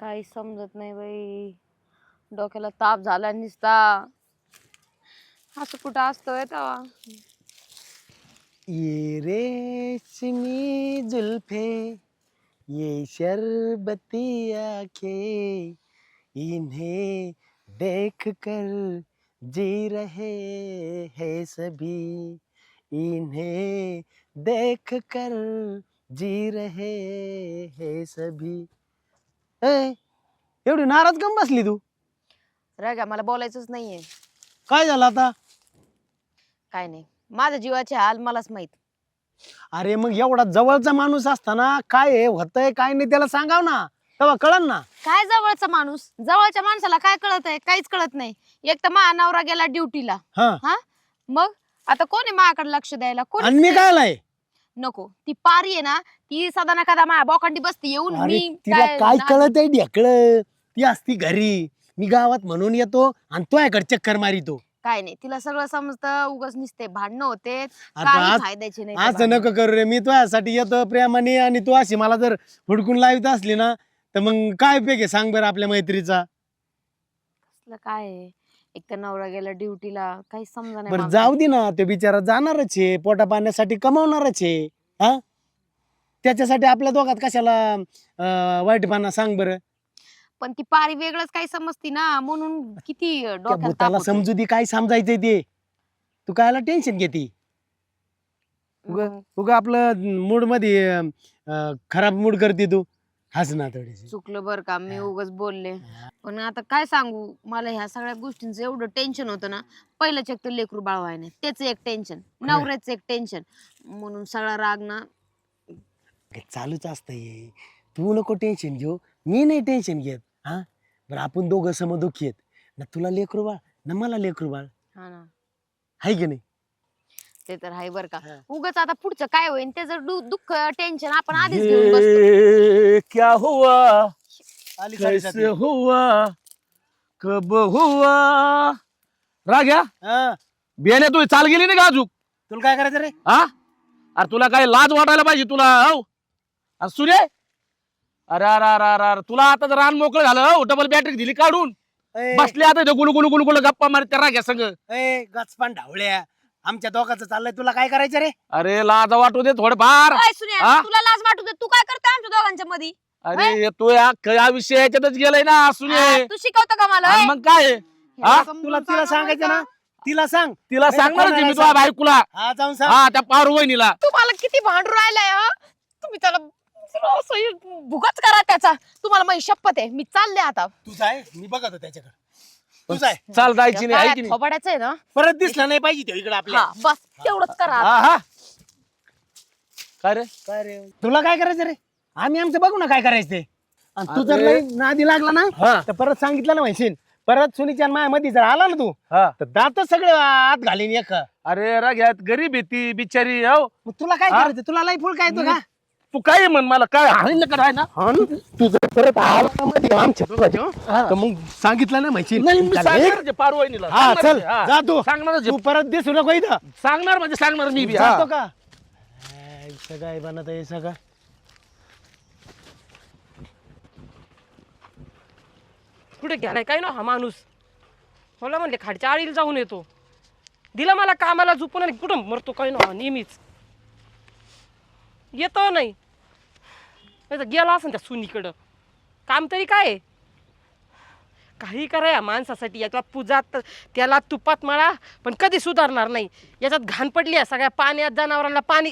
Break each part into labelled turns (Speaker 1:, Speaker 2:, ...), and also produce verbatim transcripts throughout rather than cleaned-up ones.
Speaker 1: काही समजत नाही बाई, डोक्याला ताप झाला निसता. असं कुठं असतोय तेव्हा.
Speaker 2: ये रेशमी जुल्फे, ये शरबती आंखें, इन्हें देख कर जी रहे हैं सभी, इन्हें देख कर जी रहे हैं सभी. ए, एवढी नाराज कम बसली तू?
Speaker 1: रागा मला बोलायचंच नाहीये.
Speaker 2: काय झालं आता?
Speaker 1: काय नाही, माझ्या जीवाचे हाल मलाच माहित.
Speaker 2: अरे मग एवढा जवळचा माणूस असताना काय हे होतंय काय नाही त्याला सांगाव ना, तेव्हा कळन ना.
Speaker 1: काय जवळचा माणूस? जवळच्या माणसाला काय कळत आहे? काहीच कळत नाही. एक तर माझा नवरा गेला ड्युटीला.
Speaker 2: हा
Speaker 1: हा मग आता कोण आहे माझ्याकडे लक्ष द्यायला? कोण
Speaker 2: आणि मी काय आलाय?
Speaker 1: नको. ती पारी आहे ना, ती सदा ना कदा माझ्या बोकांडी बसते येऊन.
Speaker 2: अरे
Speaker 1: मी
Speaker 2: तिला काय
Speaker 1: ना-
Speaker 2: कळत आहे ढेकळ? ती असती घरी, मी गावात म्हणून येतो आणि तो याकडे चक्कर मारितो.
Speaker 1: काय नाही, तिला सगळं समजतं. उगाच निसते भांडणं होते,
Speaker 2: आता
Speaker 1: काही
Speaker 2: आज-
Speaker 1: फायद्याचे नाही.
Speaker 2: असं नको करू रे, मी तुझ्यासाठी येतो प्रेमाने आणि तू अशी मला जर हुडकून लावित असली ना तर मग काय उपयोग आहे सांग बरं आपल्या मैत्रीचा.
Speaker 1: कसलं काय आहे? एक तर नवरा गेला ड्युटीला, काही समजा नाही
Speaker 2: बरं
Speaker 1: मला.
Speaker 2: जाऊ दे ना, तो बिचारा जाणारच आहे, पोटा पाण्यासाठी कमावणारच आहे. हा त्याच्यासाठी आपल्या दोघात कशाला अं, वाईटपणा सांग बरं.
Speaker 1: पण ती पारी वेगळंच काही समजती ना, म्हणून किती
Speaker 2: त्या
Speaker 1: डोक्यात ताप
Speaker 2: भूताला
Speaker 1: होतो.
Speaker 2: समजू दे काय समजायचंय ते. तू कायला टेन्शन घेती? उगा
Speaker 1: मग
Speaker 2: उगा आपलं मूड मध्ये अं, खराब मूड करते तू. हस ना थोडीशी.
Speaker 1: चुकलं बर का, मी
Speaker 2: हा.
Speaker 1: उगाच बोलले. पण आता काय सांगू, मला ह्या सगळ्या गोष्टींचं एवढं टेन्शन होतं ना. पहिलंच एक तर लेकरू बाळ व्हाय नाही, त्याच एक टेन्शन, नवऱ्याचं एक टेन्शन, म्हणून सगळा राग ना.
Speaker 2: काय चालूच असतंय. तू नको टेन्शन घेऊ, मी नाही टेन्शन घेत. हा बरं आपण दोघं समदुखी आहेत ना, तुला लेकरू बाळ ना मला लेकरू बाळ,
Speaker 1: हा ना,
Speaker 2: हाय की नाही?
Speaker 1: ते तर आहे बर का.
Speaker 2: हा.
Speaker 1: उगाच आता पुढचं काय होईल त्याचं दु- दुःख टेन्शन आपण आधीच घेऊन बसतो.
Speaker 3: ये क्या हुआ,
Speaker 2: आली
Speaker 3: कैसे
Speaker 2: साडेसाती.
Speaker 3: हुआ, कब हुआ. राग्या
Speaker 2: हा,
Speaker 3: बियाण्या तू चाल गेली नाही का अजून?
Speaker 2: तुला काय करायचं रे?
Speaker 3: हा अरे तुला काय लाज वाटायला पाहिजे तुला. हो अरे सूर्य, अरे अरे अरे अरे अरे, तुला आता जर रान मोकळं झालं हो, डबल बॅटरी दिली काढून,
Speaker 2: ए,
Speaker 3: बसले आता इथं गुलू गुलू गुलू गुलू गप्पा मारत त्या राग्या संग.
Speaker 2: ए, गचपान ढावळ्या, आमच्या दोघांचं चाललंय, तुला काय करायचं रे?
Speaker 3: अरे लाज वाटू दे थोडंफार.
Speaker 1: ओय सुन्या,
Speaker 3: हा?
Speaker 1: तुला लाज वाटू दे, तू काय करतोय आमच्या दोघांच्या मध्ये?
Speaker 3: अरे तू या या विषय याच्यातच गेलाय ना
Speaker 1: हा,
Speaker 3: सूर्य.
Speaker 1: तू शिकवतो का मला?
Speaker 3: आणि
Speaker 1: ओय?
Speaker 3: मग काय
Speaker 1: हे
Speaker 3: हा?
Speaker 1: समजून
Speaker 2: तुला तिला
Speaker 1: सांगा
Speaker 2: सांगायचं
Speaker 1: मला.
Speaker 2: ना, तिला सांग.
Speaker 3: तिला
Speaker 2: नाही,
Speaker 3: सांगणारच
Speaker 2: कोणाला
Speaker 3: आहे मी
Speaker 2: सांग.
Speaker 3: तुझ्या बायकोला.
Speaker 2: हा जाऊन सांग.
Speaker 3: हा त्या पार वहिनीला.
Speaker 1: तुम्हाला किती भांडू राहिलाय हा? तुम्ही त्याला असं भुगच करा त्याचा. तुम्हाला माझी शपथ आहे, मी चालले आता.
Speaker 2: तुझा आहे, मी बघत होतो त्याच्याकडे. तुझा आहे,
Speaker 3: चाल जायची नाही आहे की नाही?
Speaker 1: थोबाडाचं आहे ना.
Speaker 2: परत दिसला नाही पाहिजे तो इकडे आपल्या.
Speaker 1: हा बस तेवढंच करा आता.
Speaker 3: हा हा काय रे
Speaker 2: काय रे, तुला काय करायचं रे? आम्ही आमचं बघू ना काय करायचं ते. आणि तू जर
Speaker 3: अरे.
Speaker 2: लई नादी लागला ना
Speaker 3: हा
Speaker 2: तर परत सांगितलं ना म्हणशील, परत सुनीच्या माया मध्ये जर आला ना तू
Speaker 3: हा
Speaker 2: तर दात सगळे आत घालीन एक.
Speaker 3: अरे राग्यात गरीब आहे ती बिचारी. हो
Speaker 2: मग तुला काय
Speaker 3: हा?
Speaker 2: करायचं? तुला लई फुल काय येतो का?
Speaker 3: तू काय म्हण मला काय हाणील का आहे ना.
Speaker 2: हा ना? तू जर परत आला ना मध्ये आमच्या दोघांच्या,
Speaker 3: हा.
Speaker 2: तर मग सांगितलं ना म्हणशील.
Speaker 3: नाही मी
Speaker 2: चल,
Speaker 3: सांगणारच
Speaker 2: एक.
Speaker 3: आहे पार वहिनीला.
Speaker 2: हा
Speaker 3: सांगणारच
Speaker 2: चल
Speaker 3: आहे, हा.
Speaker 2: जा तू.
Speaker 3: सांगणारच
Speaker 2: तू
Speaker 3: आहे.
Speaker 2: परत दिसू नको इथं.
Speaker 3: सांगणार म्हणजे सांगणार मी बी. हा.
Speaker 2: जातो का? हाय, सगळं आहे बनत आहे सगळं.
Speaker 4: कुठे गेलाय काय ना हा माणूस. मला म्हणले खाडच्या आळीला जाऊन येतो, दिला मला कामाला झोपून आणि कुठं मरतो काय ना नेहमीच. येतो नाही नाही तर गेला असं त्या सुनीकडं. काम तरी काय आहे? काही करा या माणसासाठी. याच्या पूजात त्याला तुपात मळा पण कधी सुधारणार नाही. याच्यात घाण पडली आहे सगळ्या पाण्यात, जनावरांना पाणी.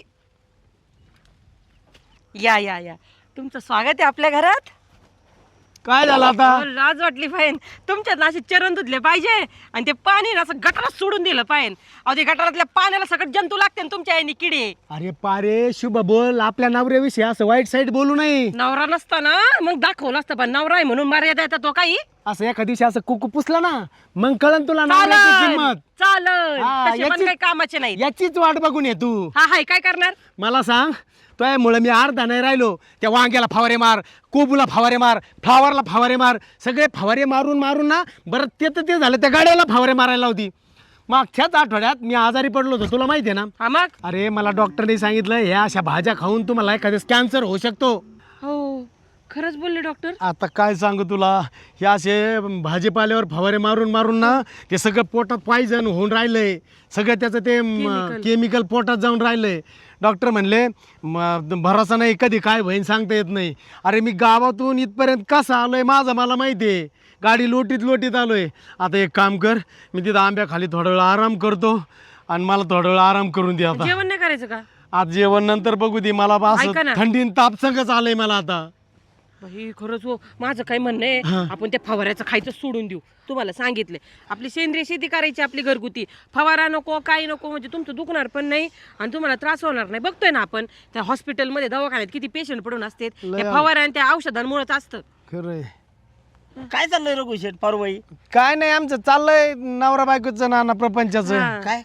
Speaker 4: या या या तुमचं स्वागत आहे आपल्या घरात.
Speaker 2: काय झालं आता?
Speaker 4: अहो, लाज वाटली पाहिजे तुमच्यात ना असे चरण धुतले पाहिजे आणि ते पाणी ना असं गटारात सोडून दिलं पाहिजे. अहो ते गटारातल्या पाण्याला सगळं जंतू लागते ना तुमच्या आईने किडे.
Speaker 2: अरे पारे शुभ बोल, आपल्या नवऱ्याविषयी असं वाईट साईड बोलू नये.
Speaker 4: नवरा नसता ना मग दाखवलं असतं, पण नवरा आहे म्हणून मर्यादा येतात तो काही.
Speaker 2: असं एका दिवशी असं कुकू पुसला ना मग कळन तुला नवऱ्याची
Speaker 4: चालन
Speaker 2: किंमत.
Speaker 4: चालन
Speaker 2: हा,
Speaker 4: तसे पण
Speaker 2: याची-
Speaker 4: काही कामाचे नाही.
Speaker 2: याचीच वाट बघून ये तू.
Speaker 4: हा हाय काय करणार?
Speaker 2: मला सांग, मुळे मी अर्धा नाही राहिलो. त्या वांग्याला फवारे मार, कोबूला फवारे मार, फ्लावरला फवारे मार, सगळे फवारे मारून मारून ना बरं ते तर ते झालं, त्या गाड्याला फवारे मारायला होती. मागच्याच आठवड्यात मी आजारी पडलो होतो, तुला माहिती आहे ना?
Speaker 4: हा मग
Speaker 2: अरे मला डॉक्टरने सांगितलं ह्या अशा भाज्या खाऊन तुम्हाला एखाद्या कॅन्सर होऊ शकतो.
Speaker 4: हो खरंच बोलले डॉक्टर?
Speaker 2: आता काय सांगू तुला, हे असे भाजीपाल्यावर फवारे मारून मारून ना ते सगळं पोटात पॉयझन होऊन राहिलंय, सगळं त्याचं ते
Speaker 4: Chemical.
Speaker 2: केमिकल पोटात जाऊन राहिलंय. डॉक्टर म्हणले म- भरोसा नाही, कधी काय होईन सांगता येत नाही. अरे मी गावातून इथपर्यंत कसं आलोय माझं मला माहिती आहे, गाडी लोटीत लोटीत आलोय. आता एक काम कर, मी तिथं आंब्याखाली थोडा वेळ आराम करतो आणि मला थोडा वेळ आराम करून दे आता.
Speaker 4: जेवण नाही करायचं का?
Speaker 2: आज जेवण नंतर बघू दे, मला बा असं
Speaker 4: ऐका ना.
Speaker 2: थंडीन ताप संगच आलंय मला आता.
Speaker 4: बाई खरंच हो, माझं काय म्हणणं आहे, आपण त्या फवाऱ्याचं खायचं सोडून देऊ. तुम्हाला सांगितले आपली सेंद्रिय शेती करायची, आपली घरगुती. फवारा नको, काही नको, म्हणजे तुमचं दुखणार पण नाही आणि तुम्हाला त्रास होणार नाही. बघतोय ना आपण त्या हॉस्पिटलमध्ये दवाखान्यात किती पेशंट पडून असतात,
Speaker 2: लय
Speaker 4: त्या फवारा आणि त्या औषधांमुळेच असतं.
Speaker 2: खरंय.
Speaker 5: काय चाललंय रघु शेठ पारवाई?
Speaker 2: काय नाही, आमचं चाललंय नवरा बायकोचं नाना प्रपंचाचं.
Speaker 4: हा.
Speaker 5: काय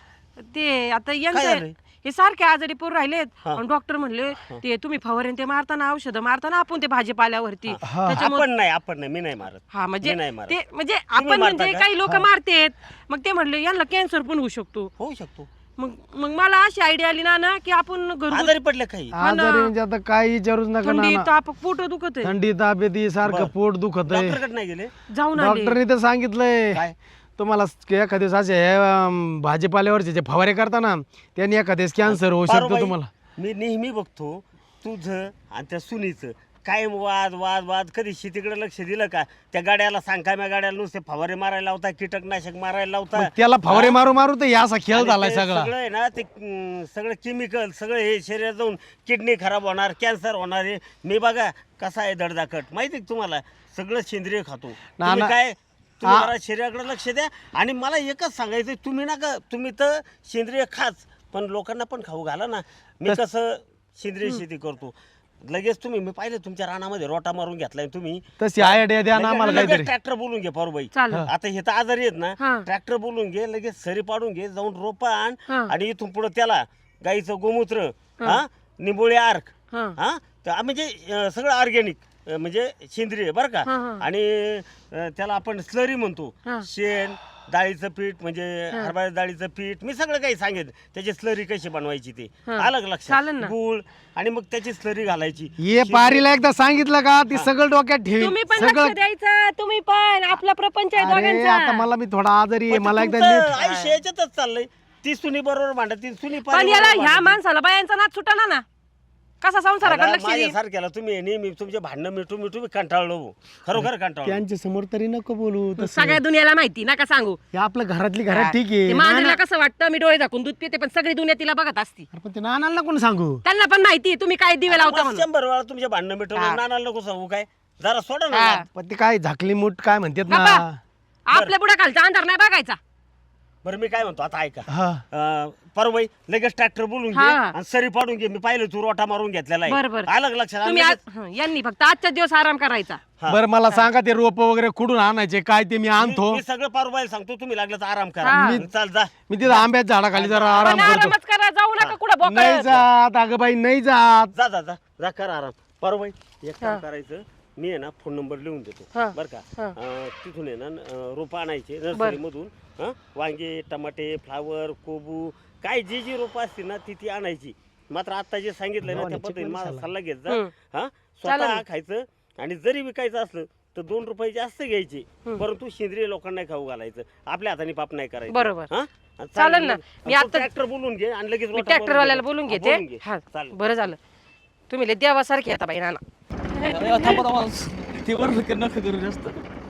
Speaker 4: ते आता
Speaker 5: काय
Speaker 4: यांचं
Speaker 5: झालंय?
Speaker 4: हे सारखे आजारी पोर राहिलेत आणि डॉक्टर म्हणले ते तुम्ही फवारे ते मारताना औषधं मारताना आपण ते भाजीपाल्यावरती त्याच्यामुळे
Speaker 5: आपण नाही आपण नाही मी नाही मारत.
Speaker 4: हा म्हणजे
Speaker 5: मी नाही मारत.
Speaker 4: ते म्हणजे आपण
Speaker 5: मारता
Speaker 4: म्हणजे
Speaker 5: का?
Speaker 4: काही लोक मारतेत, मग ते म्हणले यांना कॅन्सर पण होऊ शकतो.
Speaker 5: होऊ शकतो.
Speaker 4: मग मग मला अशी आयडिया आली ना ना की आपण घरगुती
Speaker 5: आजारी पडले काही
Speaker 2: आजारी म्हणजे आता काही विचारूच नका
Speaker 4: थंडी
Speaker 2: नाना.
Speaker 4: ताप पोट दुखत आहे.
Speaker 2: थंडी ताप येते, सारखं
Speaker 5: बरं.
Speaker 2: पोट दुखत आहे.
Speaker 5: डॉक्टरकडे नाही गेले?
Speaker 4: जाऊन आले.
Speaker 2: डॉक्टरने तर सांगितलंय
Speaker 5: काय?
Speaker 2: तुम्हाला एखाद्या दिवस असे हे, अं, भाजीपाल्यावरचे जे फवारे करता ना त्यांनी एखाद्या कॅन्सर होऊ शकतो
Speaker 5: पारुबाई,
Speaker 2: तुम्हाला.
Speaker 5: मी नेहमी बघतो तुझं आणि त्या सुनीचं काय वाद वाद वाद. कधी शेतीकडे लक्ष दिलं का? त्या गाड्याला सांग काय, गाड्याला नुसते फवारे मारायला लावता, कीटकनाशक मारायला लावता.
Speaker 2: मग त्याला फवारे मारू मारू तर या असा खेळ
Speaker 5: आणि
Speaker 2: झालाय
Speaker 5: ते
Speaker 2: सगळा.
Speaker 5: सगळं आहे ना ते अं, सगळं केमिकल सगळं हे शरीरात जाऊन किडनी खराब होणार, कॅन्सर होणार आहे. मी बघा कसा आहे दडदाकट, माहिती आहे का तुम्हाला? सगळं सेंद्रिय खातो. तुम्ही
Speaker 2: ना-
Speaker 5: काय तुम्ही जरा शरीराकडे लक्ष द्या. आणि मला एकच सांगायचं, तुम्ही ना का तुम्ही तर सेंद्रिय खाच पण लोकांना पण खाऊ घाला ना. मी कसं सेंद्रिय शेती करतो, लगेच तुम्ही मी पाहिलं तुमच्या रानामध्ये रोटा मारून घेतलाय तुम्ही.
Speaker 2: तशी आयडिया द्या ना आम्हाला काहीतरी.
Speaker 5: ट्रॅक्टर बोलून घे पारुबाई.
Speaker 4: चालेल.
Speaker 5: आता हे तर आजारी आहेत ना,
Speaker 4: हा.
Speaker 5: ट्रॅक्टर बोलून घे, लगेच सरी पाडून घे, जाऊन रोपा आण
Speaker 4: हा.
Speaker 5: आणि इथून पुढे त्याला गाईचं गोमूत्र, हा निंबोळी आर्क,
Speaker 4: हा.
Speaker 5: हा तर म्हणजे अं, सगळं ऑर्गॅनिक म्हणजे सेंद्रिय बरं का.
Speaker 4: हा, हा.
Speaker 5: आणि अं, त्याला आपण स्लरी म्हणतो.
Speaker 4: हा.
Speaker 5: शेण, डाळीचं पीठ म्हणजे हरभरा डाळीचं पीठ, मी सगळं काही सांगेन. त्याची स्लरी कशी बनवायची ते
Speaker 4: हा.
Speaker 5: अलग लक्षात.
Speaker 4: चालेल ना.
Speaker 5: गूळ आणि मग त्याची स्लरी घालायची.
Speaker 2: ये पारीला एकदा सांगितलं का ती सगळं डोक्यात ठेवी
Speaker 4: तुम्ही पण
Speaker 2: सगळं.
Speaker 4: लक्ष द्यायचं, तुम्ही पण आपला प्रपंच आहे
Speaker 2: अरे आता
Speaker 4: दोघांचा.
Speaker 2: मला मी थोडा आजारी आहे,
Speaker 5: पण
Speaker 2: मला एकदा
Speaker 5: तुमचं
Speaker 2: नीट-
Speaker 5: आयुष्य याच्यातच चाललंय. ती सुनी बरोबर भांडत, ती सुनी
Speaker 4: पण याला ह्या माणसाला बायांचा नाच सुटाना ना, कसा संसाराकडे लक्ष देईल?
Speaker 5: सारख्याला तुम्ही नेहमी तुमचे भांडणं मिठू मिठू मी कंटाळलो हो. खरोखर कंटाळलो.
Speaker 2: त्यांच्या समोर तरी नको बोलू तसं.
Speaker 4: सगळ्या दुनियाला माहिती नका सांगू.
Speaker 2: हे आपलं घरातली घरात ठीक
Speaker 4: ते
Speaker 2: आहे.
Speaker 4: मांजरीला कसं वाटतं मी डोळे झाकून दूध पिते, पण सगळी दुनिया तिला बघत असती.
Speaker 2: अरे पण ते नानाला कोण सांगू?
Speaker 4: त्यांना पण माहिती तुम्ही काय दिवे लावता
Speaker 5: मस्त
Speaker 4: म्हणून.
Speaker 5: शंभर वेळा तुमचे भांडणं मिटवलं, नानाला नको सांगू काय. जरा सोडा ना
Speaker 4: हा.
Speaker 5: नाद.
Speaker 2: पण ते काय झाकली मूठ काय म्हणतात ना.
Speaker 4: बाबा, आपल्या पुढे खालचा अंधार नाही बघायचा.
Speaker 5: बरं मी काय म्हणतो आता ऐका.
Speaker 2: हा
Speaker 5: अं, परवाई लगेच ट्रॅक्टर बोलून घे
Speaker 4: हा.
Speaker 5: आणि सरी पाडून घे. मी पाहिलं तू रोटा मारून घेतलेला
Speaker 4: बरं, बरं.
Speaker 5: आहे. अलग लक्षात
Speaker 4: तुम्ही
Speaker 5: आलं
Speaker 4: आज- हं, यांनी फक्त आजच्या दिवस आराम करायचा.
Speaker 5: हा.
Speaker 2: बरं मला सांगा ते रोप वगैरे कुठून आणायचे काय ते मी
Speaker 5: मी
Speaker 2: आणतो.
Speaker 5: मी सगळं पारुबाईला सांगतो, तुम्ही लागलं तर आराम करा.
Speaker 4: हा.
Speaker 5: मी- चाल जा.
Speaker 2: मी तिथं आंब्याच्या झाडाखाली जरा आराम
Speaker 4: पण
Speaker 2: करतो.
Speaker 4: आरामच करा, जाऊ नका कुठं
Speaker 2: नाही
Speaker 4: बोकळ.
Speaker 2: जात अगं बाई, नाही जात.
Speaker 5: जा जा जा जा करा आराम. पारुबाई एक
Speaker 4: हा.
Speaker 5: काम करायचं, मी आहे ना फोन नंबर लिहून देतो
Speaker 4: हा.
Speaker 5: बरं का.
Speaker 4: हा.
Speaker 5: अं, तिथून आहे ना रोपं आणायचे नर्सरीमधून. हं? वांगे, टमाटे, फ्लावर, कोबू काय जी जी रोपं असतील ना ती ती आणायची. मात्र आता जे सांगितलं ना त्या पद्धतीने माझा सल्ला घेत जा.
Speaker 4: हं.
Speaker 5: हा
Speaker 4: चालेल.
Speaker 5: स्वतः खायचं आणि जरी विकायचं असलं तर दोन रुपये जास्त घ्यायचे, परंतु सेंद्रिय लोकांना नाही खाऊ घालायचं, आपल्या हाताने पाप नाही करायचं.
Speaker 4: बरोबर.
Speaker 5: हा? आणि
Speaker 4: चालेल ना.
Speaker 5: आणि
Speaker 4: मी
Speaker 5: तू
Speaker 4: आता-
Speaker 5: ट्रॅक्टर बोलून घे आणि लगेच
Speaker 4: मी
Speaker 5: रोटा
Speaker 4: ट्रॅक्टर
Speaker 5: भरून
Speaker 4: वाल्याला
Speaker 5: घे.
Speaker 4: बोलून
Speaker 5: हा,
Speaker 4: घेते.
Speaker 5: घे.
Speaker 4: हा
Speaker 5: चालेल.
Speaker 4: बरं झालं तुम्ही लय देवासारखे आता बाई नाना.
Speaker 3: थांबा थांबा, ते बरोबर नका करू जास्त.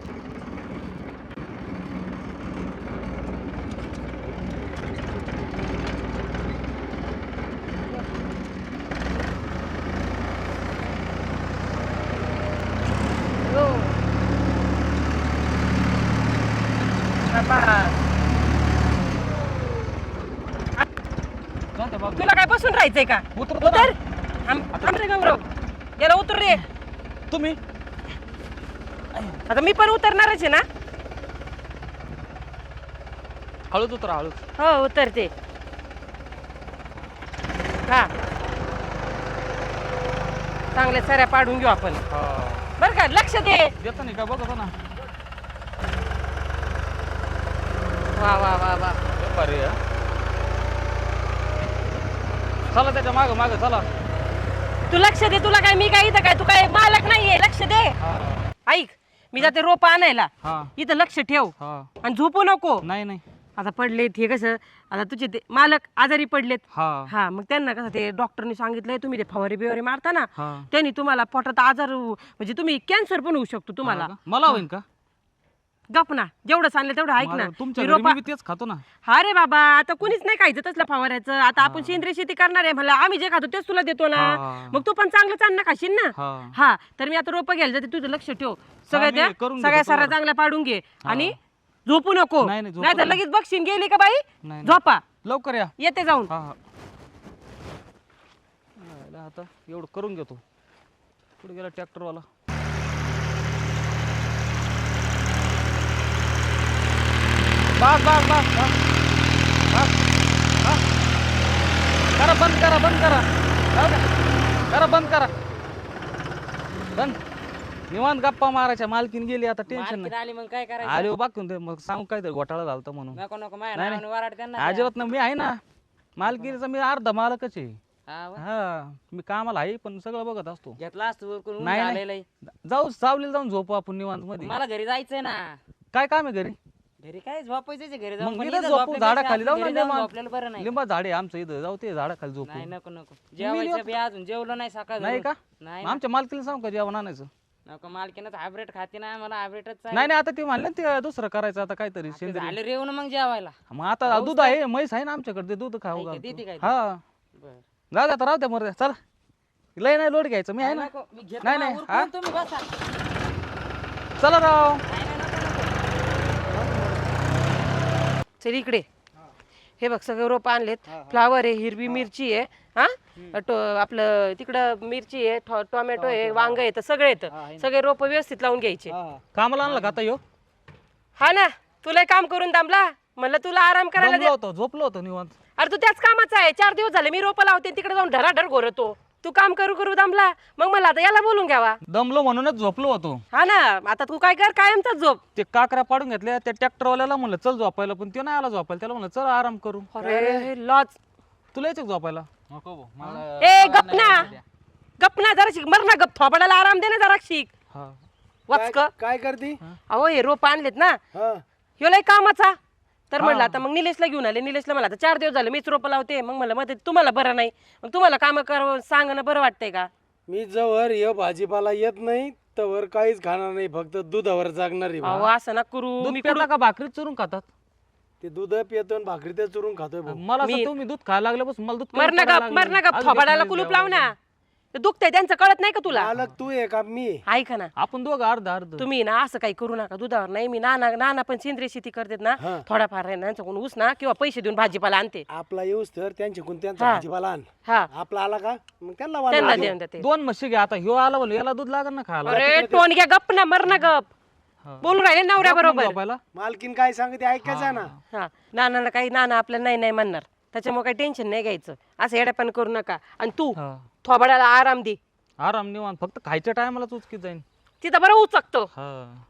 Speaker 4: तुला काय बसून राहायचंय का?
Speaker 3: उतरतो ना.
Speaker 4: उतर. थांब थांब रे गौरव, याला उतर रे.
Speaker 3: तुम्ही
Speaker 4: आता मी पण उतरणारच आहे ना.
Speaker 3: हळूच उतरा हळूच.
Speaker 4: हो उतरते. हा चांगल्या सऱ्या पाडून घेऊ आपण बर का. लक्ष दे.
Speaker 3: देतो नाही का बघतो ना.
Speaker 4: वा वा वा वा.
Speaker 3: भारी आहे. चला त्याच्या माग माग चला.
Speaker 4: तू लक्ष दे, तुला काय मी काय इथं काय तू काय मालक नाहीये, लक्ष दे. ऐक, मी जाते रोप आणायला,
Speaker 6: हा
Speaker 4: इथं लक्ष ठेव
Speaker 6: हा
Speaker 4: आणि झोपू नको.
Speaker 6: नाही नाही
Speaker 4: आता पडलेत हे कसं, आता तुझे ते मालक आजारी पडलेत.
Speaker 6: हा
Speaker 4: हा मग त्यांना कसं ते डॉक्टरने सांगितलंय तुम्ही ते फवारे बिवारे मारता ना,
Speaker 6: हा
Speaker 4: त्यांनी तुम्हाला पोटात आजार होऊ- म्हणजे तुम्ही कॅन्सर पण होऊ शकतो तुम्हाला.
Speaker 6: हा का? मला होईन का?
Speaker 4: गप ना, जेवढं सांगलं तेवढं ऐक ना.
Speaker 6: मला- तुमच्या
Speaker 4: मी
Speaker 6: घरी
Speaker 4: रोपा-
Speaker 6: मी बी तेच खातो ना.
Speaker 4: हा रे बाबा, आता कुणीच नाही खायचं तसलं फवाऱ्याचं. आता आपण सेंद्रिय शेती करणार आहे मला, आम्ही जे खातो तेच तुला देतो ना.
Speaker 6: हा.
Speaker 4: मग तू पण चांगलं अन्न खाशील ना.
Speaker 6: हा
Speaker 4: हा तर मी आता रोपं घ्यायला जाते, तुझं लक्ष ठेव. सगळ्या
Speaker 6: मी
Speaker 4: त्या
Speaker 6: करून घेतो
Speaker 4: सगळ्या सारा
Speaker 6: तुम्हाला.
Speaker 4: चांगल्या पाडून घे आणि झोपू नको.
Speaker 6: नाही, नाही, झोपत
Speaker 4: नाही तर
Speaker 6: नाही.
Speaker 4: लगेच बघशील गेली का बाई.
Speaker 6: नाही, नाही.
Speaker 4: झोपा,
Speaker 6: लवकर या.
Speaker 4: येते जाऊन.
Speaker 6: हा हा यायला आता एवढं करून घेतो. कुठे गेला ट्रॅक्टरवाला? बस बस बस बस बस बस. करा बंद करा बंद करा जाऊ द्या. करा बंद करा बंद. निवांत गप्पा मारायच्या. मालकीन गेली आता टेन्शन नाही.
Speaker 7: आली मग काय करायचं?
Speaker 6: आले बाकून ते मग सांगू काहीतरी घोटाळा झालता म्हणून.
Speaker 7: नको नको माझ्या
Speaker 6: नाही,
Speaker 7: नावाने वराड त्यांना
Speaker 6: अजिबात ना, मी आहे ना मालकीचा. मी अर्धा मालकच आहे.
Speaker 7: हा व.
Speaker 6: हा मी कामाला आहे पण सगळं बघत असतो.
Speaker 7: घेतला असतो करून
Speaker 6: नाही, नाही.
Speaker 7: आलेलं आहे.
Speaker 6: जाऊ सावलीला जाऊन झोपू आपण निवांत मध्ये.
Speaker 7: मला घरी जायचंय ना.
Speaker 6: काय काम आहे घरी?
Speaker 7: घरी काय झोपायचं घरी
Speaker 6: मग
Speaker 7: जाऊन पण
Speaker 6: इथं
Speaker 7: इथं
Speaker 6: झोपू
Speaker 7: झोपल्यापेक्षा
Speaker 6: झाडाखाली जाऊ
Speaker 7: आपलं
Speaker 6: ना.
Speaker 7: घरी जाऊन
Speaker 6: लिंबा
Speaker 7: झोपलेलं बरं नाही.
Speaker 6: लिंबा झाडे आमचं इथं. जाऊ ते झाडाखाली झोपू.
Speaker 7: नाही नको नको जेवायचं बी अजून जेवलं नाही सकाळ
Speaker 6: नाही का?
Speaker 7: नाही
Speaker 6: मग आमच्या मालकीला सांगू का जेवण आणायचं?
Speaker 7: नको मालकीनच हायब्रेड खाते ना मला हायब्रेडच
Speaker 6: नाही नाही आता ते म्हणलं ना ते दुसरं करायचं आता काहीतरी सेंद्रिय.
Speaker 7: झालं रेवून मग जेवायला.
Speaker 6: मग आता दूध आहे, म्हैस आहे ना आमच्याकडे, ते दूध खाऊ
Speaker 7: आहे का?
Speaker 6: घालतो.
Speaker 7: देते काय?
Speaker 6: हा
Speaker 7: बरं.
Speaker 6: जाऊ दे आता, राहू द्या मर चला. लय नाही लोड घ्यायचं, मी आहे ना.
Speaker 7: नको, मी घेतो
Speaker 6: नाही,
Speaker 7: ना,
Speaker 6: नाही,
Speaker 7: उरकून
Speaker 6: हा?
Speaker 7: तुम्ही बसा.
Speaker 6: चला राव.
Speaker 7: नाही, नाही, नको, नको.
Speaker 4: चल इकडे, हे बघ सगळे रोप आणलेत. फ्लावर आहे, हिरवी मिरची आहे, हा टो आपलं तिकडं मिरची आहे, टो- टोमॅटो आहे, वांग आहे, तर सगळे येतं. सगळे रोप व्यवस्थित लावून घ्यायचे.
Speaker 6: कामाला आणलं का आता यो?
Speaker 4: हा ना, तुला काम करून दामला म्हणलं तुला आराम करायला
Speaker 6: दमलो
Speaker 4: दे.
Speaker 6: होतो, झोपलो होतो निवांत.
Speaker 4: अरे तू त्याच कामाचा आहे. चार दिवस झाले मी रोप लावते, तिकडे जाऊन ढराढर घोरतो. तू काम करू करू दामला, मग मला आता याला बोलून घ्यावा.
Speaker 6: दमलो म्हणूनच झोपलो होतो.
Speaker 4: हा ना, आता तू काय कर, कायमचाच झोप.
Speaker 6: ते काकऱ्या पाडून घेतल्या त्या ट्रॅक्टरवाल्याला म्हणलं चल झोपायला, पण ते नाही आला झोपायला. त्याला म्हणलं चल आराम करू.
Speaker 4: अरे लॉज.
Speaker 6: तुला यायचं का झोपायला?
Speaker 4: ए गपना गपना जरा शिक, मर ना गप. थोबडाला आराम दे ना जरा शिक.
Speaker 6: हा
Speaker 4: वचक.
Speaker 2: काय करते?
Speaker 4: अहो हे रोप आणलेत ना,
Speaker 2: हा
Speaker 4: ह्यो लय कामाचा. तर म्हणलं आता मग निलेशला घेऊन आले. निलेशला मला आता चार दिवस झाले मीच रोप लावते. मग मला मग तुम्हाला बरं नाही, मग तुम्हाला काम कर सांगणं बरं वाटतंय का?
Speaker 2: मी जवळ ये भाजीपाला येत नाही तवर काहीच खाणार नाही, फक्त दुधावर जागणार आहे
Speaker 4: अहो
Speaker 2: बा.
Speaker 4: असं ना करू.
Speaker 6: दूध
Speaker 4: मी
Speaker 6: पिता का भाकरीत चुरून खातात?
Speaker 2: ते दूध पितो आणि भाकरी ते चुरून खातोय भाऊ.
Speaker 6: मला असं
Speaker 4: मी-
Speaker 6: तुम्ही दूध खायला लागल्यापासून मला दूध
Speaker 4: मर
Speaker 6: कमी
Speaker 4: ना
Speaker 6: पडायला
Speaker 4: गप, मर
Speaker 6: लागलं.
Speaker 4: ना गप.
Speaker 6: अजून
Speaker 4: थोबाडाला
Speaker 6: एक
Speaker 4: कुलूप
Speaker 6: महिना
Speaker 4: लाव ना. ते दुखतंय त्यांचं कळत नाही का तुला?
Speaker 2: मालक तू आहे का मी?
Speaker 4: ऐका ना,
Speaker 6: आपण दोघं अर्ध अर्ध.
Speaker 4: तुम्ही ना असं काही करू नका. दुधावर नाही, मी नाना नाना पण सेंद्रिय शेती करतात ना,
Speaker 2: हा.
Speaker 4: थोडाफार आहे ना त्यांच्याकडून ऊस ना किंवा पैसे देऊन भाजीपाला आणते.
Speaker 2: आपला येऊस तर त्यांच्याकडून त्यांचा
Speaker 4: हा.
Speaker 2: भाजीपाला आण.
Speaker 4: हा
Speaker 2: आपला आला का मग त्यांना
Speaker 4: त्यांना
Speaker 2: वाढवा.
Speaker 4: देऊन देते.
Speaker 6: दोन म्हशी घ्या आता. ह्यो आला बोल, याला दूध लागेल ना खायला.
Speaker 4: अरे टोन घ्या, गप ना, मर ना गप.
Speaker 6: हा.
Speaker 4: बोलून राहिले नवऱ्या बरोबर.
Speaker 6: झोपायला?
Speaker 2: मालकीन काय सांगते ऐकायचं ना.
Speaker 4: हा नानाला काही, नाना आपल्याला नाही नाही म्हणणार, त्याच्यामुळे काही टेन्शन नाही घ्यायचं. असं येड्यापण करू नका. आणि तू
Speaker 6: हा.
Speaker 4: थोबाडाला आराम दे.
Speaker 6: आराम निवांत, फक्त खायच्या टायमाला चुचकीत जाईन.
Speaker 4: तिथं बरं उचकतो.
Speaker 6: हा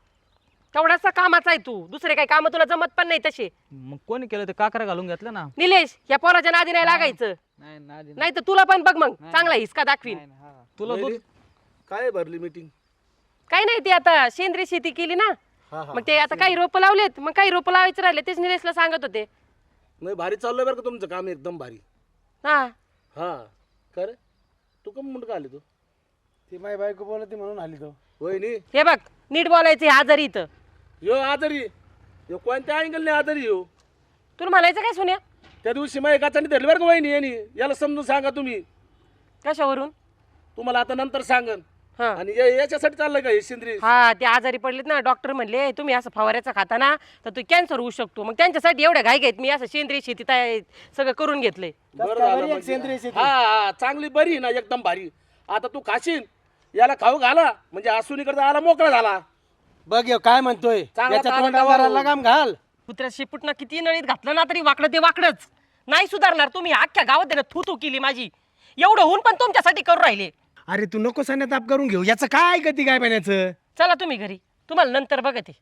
Speaker 4: तेवढासा कामाचा आहे तू. दुसरे काही काम तुला जमत पण नाही तसे.
Speaker 6: मग कोणी केलं ते काकऱ्या घालून घेतल्या ना.
Speaker 4: निलेश या पोराच्या नादी नाही लागायचं, नाही तर तुला पण बघ मग चांगला हिसका दाखवीन.
Speaker 6: तुला दूध
Speaker 3: काय भरली मीटिंग?
Speaker 4: काही नाही, ते आता सेंद्रिय शेती केली ना, मग ते आता काही रोपं लावलेत, मग काही रोपं लावायचे राहिले, तेच निलेशला सांगत होते.
Speaker 3: नाही भारी चाललंय बरं का तुमचं काम, एकदम भारी.
Speaker 4: हा
Speaker 3: हा का रे? तू कम मुंड का आली तू?
Speaker 2: ती माझी बायको बोलते म्हणून आली तो.
Speaker 3: होय नी
Speaker 4: हे बघ, नीट बोलायचं. हे आजारी इथं
Speaker 3: यो आजारी यो कोणत्या अँगलने आजारी यो?
Speaker 4: तुला म्हणायचं काय सुन्या?
Speaker 3: त्या दिवशी माझ्या काचाने धरली बरं का वहिनी यांनी. याला समजून सांगा तुम्ही.
Speaker 4: कशावरून?
Speaker 3: तुम्हाला आता नंतर सांगन.
Speaker 4: हा
Speaker 3: आणि या- याच्यासाठी चाललंय का हे सेंद्रिय?
Speaker 4: हा ते आजारी पडलेत ना, डॉक्टर म्हणले तुम्ही असं फवाऱ्याचा खाता ना तर तू कॅन्सर होऊ शकतो. मग त्यांच्यासाठी एवढ्या घाई घेत मी असं सेंद्रिय शेती तयार सगळं करून घेतलंय.
Speaker 3: बरं
Speaker 2: कसं काय
Speaker 3: झालं
Speaker 2: बरी एक
Speaker 3: म्हणजे.
Speaker 2: सेंद्रिय शेती?
Speaker 3: हा हा चांगली बरी आहे ना, एकदम भारी. आता तू खाशील, याला खाऊ घाला म्हणजे आसुनीकडे आला मोकळा झाला.
Speaker 2: बघ ह्यो काय म्हणतोय,
Speaker 3: चांगला
Speaker 2: याच्या
Speaker 3: ताजा
Speaker 2: तोंडावर
Speaker 3: गावावर.
Speaker 2: लगाम घाल.
Speaker 4: कुत्र्या शिपूटनं किती नळीत घातलं ना तरी वाकडं ते वाकडच नाही सुधारणार. तुम्ही अख्ख्या गावात त्यानं थू थू केली माझी. एवढं होऊन पण तुमच्यासाठी करू राहिले.
Speaker 2: अरे तू नको सान्या ताप करून घेऊ. याचं काय गती काय पाण्याचं.
Speaker 4: चला तुम्ही घरी, तुम्हाला नंतर बघते.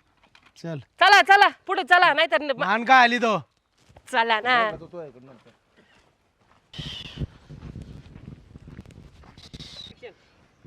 Speaker 2: चल
Speaker 4: चला चला पुढे चला, नाहीतर
Speaker 2: मान का आली तो.
Speaker 4: चला ना.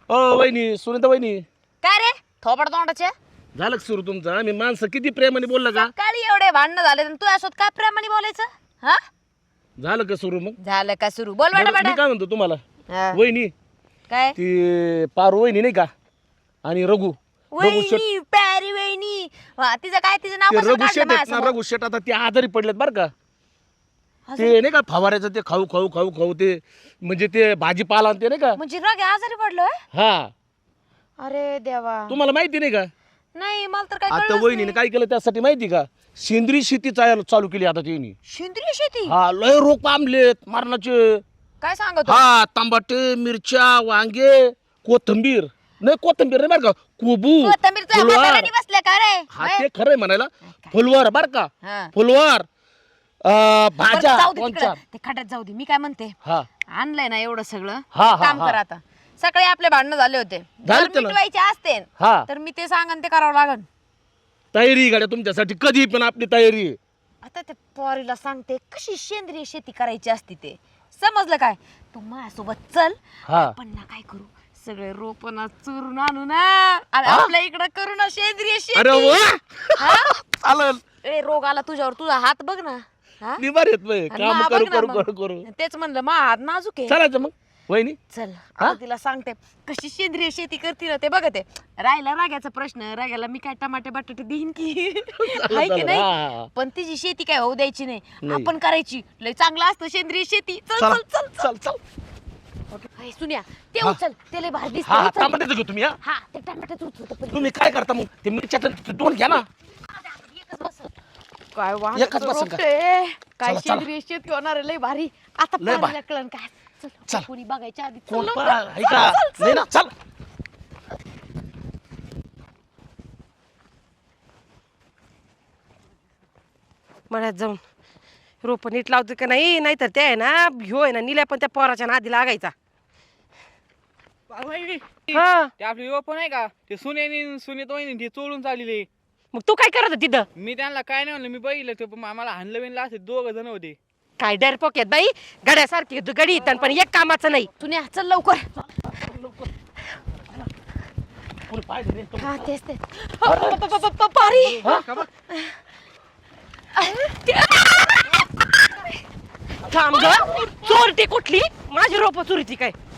Speaker 3: ओ वहिनी सुनीता वहिनी
Speaker 1: काय रे थोबड तोंडाचे
Speaker 3: झालं का सुरू तुमचं मी माणसं किती प्रेमाने बोललं का
Speaker 1: सकाळी एवढे भांडणं झाले तू असोत काय प्रेमाने बोलायचं हा
Speaker 3: झालं का सुरू मग
Speaker 1: झालं का सुरू बोल बेटा
Speaker 3: बरं, मी
Speaker 1: बेटा
Speaker 3: काय म्हणतो तुम्हाला
Speaker 1: हा.
Speaker 3: वहिनी
Speaker 1: काय
Speaker 3: ती पारू वहिनी नाही का आणि रघु रघु शेट
Speaker 1: वहिनी प्यारी वहिनी वा, तिचं काय तिचं नाव
Speaker 3: ते
Speaker 1: कसं
Speaker 3: रघु
Speaker 1: काढलं
Speaker 3: शेट आहेत ना
Speaker 1: माझ्यासमोर?
Speaker 3: रघु शेट आता ते आजारी पडलेत बरं का ते नाही का फवाऱ्याचं ते खाऊ खाऊ खाऊ खाऊ ते म्हणजे ते भाजीपाला आणि ते नाही का
Speaker 1: म्हणजे रगे आजारी पडलोय
Speaker 3: हा
Speaker 1: अरे देवा
Speaker 3: तुम्हाला माहिती नाही का
Speaker 1: नाही मला तर काय
Speaker 3: आता
Speaker 1: कळलंच
Speaker 3: वहिनीने
Speaker 1: नाही.
Speaker 3: काय केलं त्यासाठी माहिती का सेंद्रिय शेती चाल- चालू केली आता त्यांनी
Speaker 1: सेंद्रिय शेती
Speaker 3: हा लय रोग पामलेत मारणाचे
Speaker 1: काय सांगतो
Speaker 3: हा तांबाटे मिरच्या वांगे कोथंबीर नाही कोथंबीर नाही बरं का कोबू
Speaker 1: कोथिंबीरचं
Speaker 3: फुलवार
Speaker 1: म्हाताऱ्याने बसल्या का रे
Speaker 3: हा ते खरंय म्हणायला फुलवार बर का
Speaker 1: हा.
Speaker 3: फुलवार अं,
Speaker 1: बरं,
Speaker 3: भाज्या
Speaker 1: जाऊ दे
Speaker 3: दोन
Speaker 1: तिकडं.
Speaker 3: चार
Speaker 1: ते खड्यात जाऊ दे मी काय म्हणते
Speaker 3: हा
Speaker 1: आणलंय ना एवढं सगळं
Speaker 3: हा, हा,
Speaker 1: काम
Speaker 3: हा.
Speaker 1: कर आता सकाळी आपले भांडणं झाले होते
Speaker 3: झाले
Speaker 1: जर
Speaker 3: होते ना.
Speaker 1: मिटवायचे असते
Speaker 3: हा
Speaker 1: तर मी ते सांगन ते करावं लागन
Speaker 3: तयारी गाड्या तुमच्यासाठी कधी पण आपली तयारी आहे.
Speaker 1: आता ते पोरीला सांगते कशी सेंद्रिय शेती करायची असते ते समजलं काय तू माझ्यासोबत चल
Speaker 3: हा
Speaker 1: आपण ना काय करू सगळे रोपण चोरून आणू ना आणि आपल्या इकडं करू ना सेंद्रिय
Speaker 3: अरे
Speaker 1: शेती
Speaker 3: वा
Speaker 1: हा?
Speaker 3: चालेल
Speaker 1: ए रोग आला तुझ्यावर तुझा हात बघ ना हा?
Speaker 3: निभार येत बाई.
Speaker 1: आणि
Speaker 3: काम
Speaker 1: मा
Speaker 3: करू
Speaker 1: बघ ना
Speaker 3: करू
Speaker 1: मग.
Speaker 3: करू करू
Speaker 1: तेच म्हणलं मा हात नाजूक आहे
Speaker 3: चालायचं मग वहिनी
Speaker 1: चल
Speaker 3: हा?
Speaker 1: आता तिला सांगते कशी सेंद्रिय शेती करते ना ते बघते राहिला राग्याचा प्रश्न राग्याला मी काय टमाटे बटाटे देईन की हाय की
Speaker 3: चालेल.
Speaker 1: नाही
Speaker 3: हा.
Speaker 1: पण तिची शेती काय होऊ द्यायची नाही
Speaker 3: नाही.
Speaker 1: आपण करायची लय चांगलं असतं सेंद्रिय शेती चल
Speaker 3: चला
Speaker 1: चल चल
Speaker 3: चल चल
Speaker 1: हाय, सुन्या ते
Speaker 3: हा.
Speaker 1: उचल ते लय भारी
Speaker 3: हा
Speaker 1: दिसतं उचल.
Speaker 3: टमाट्याचं घेऊ तुम्ही हा
Speaker 1: हा ते टमाट्याचं उचल पण
Speaker 3: तुम्ही काय करता मग ते मिरच्या दोन घ्या ना
Speaker 1: काय
Speaker 3: एकच
Speaker 1: वाहनाचं
Speaker 3: बसन का?
Speaker 1: रोपटे. काय
Speaker 3: चला, चला.
Speaker 1: सेंद्रिय शेती होणार आहे, लय भारी आता
Speaker 3: लय भारी.
Speaker 1: पाहिलं कळण काय चल
Speaker 3: चल.
Speaker 1: कोणी बघायच्या आधी चल
Speaker 3: कोण
Speaker 1: लवकर.
Speaker 3: पा- आहे का नाही ना चल
Speaker 4: मळ्यात जाऊन रोप नीट लावतो का नाही नाहीतर ते आहे ना ह्यो आहे ना निल्या पण त्या पोराच्या नादी लागायचा हा
Speaker 6: ते आपले युवा आहे का ते सुनेनी सुनेत वहिनी ते चोळून चाललेले
Speaker 4: मग तू काय करत होती तिथं
Speaker 6: मी त्यांना काय नाही म्हणलं मी बघितलं ते पण आम्हाला हाणलं बिनलं असे दोघ जण होते
Speaker 4: काय डरपोक आहेत बाई गड्यासारखी तू गडी येतात पण एक कामाचं नाही
Speaker 1: सुन्या चल लवकर
Speaker 3: कोणी पाहिजे नाही तो.
Speaker 1: हा तेच तेच प- प- प- प- प- पारी
Speaker 4: थांब ग चोरटी कुठली माझी रोप चोरीची काय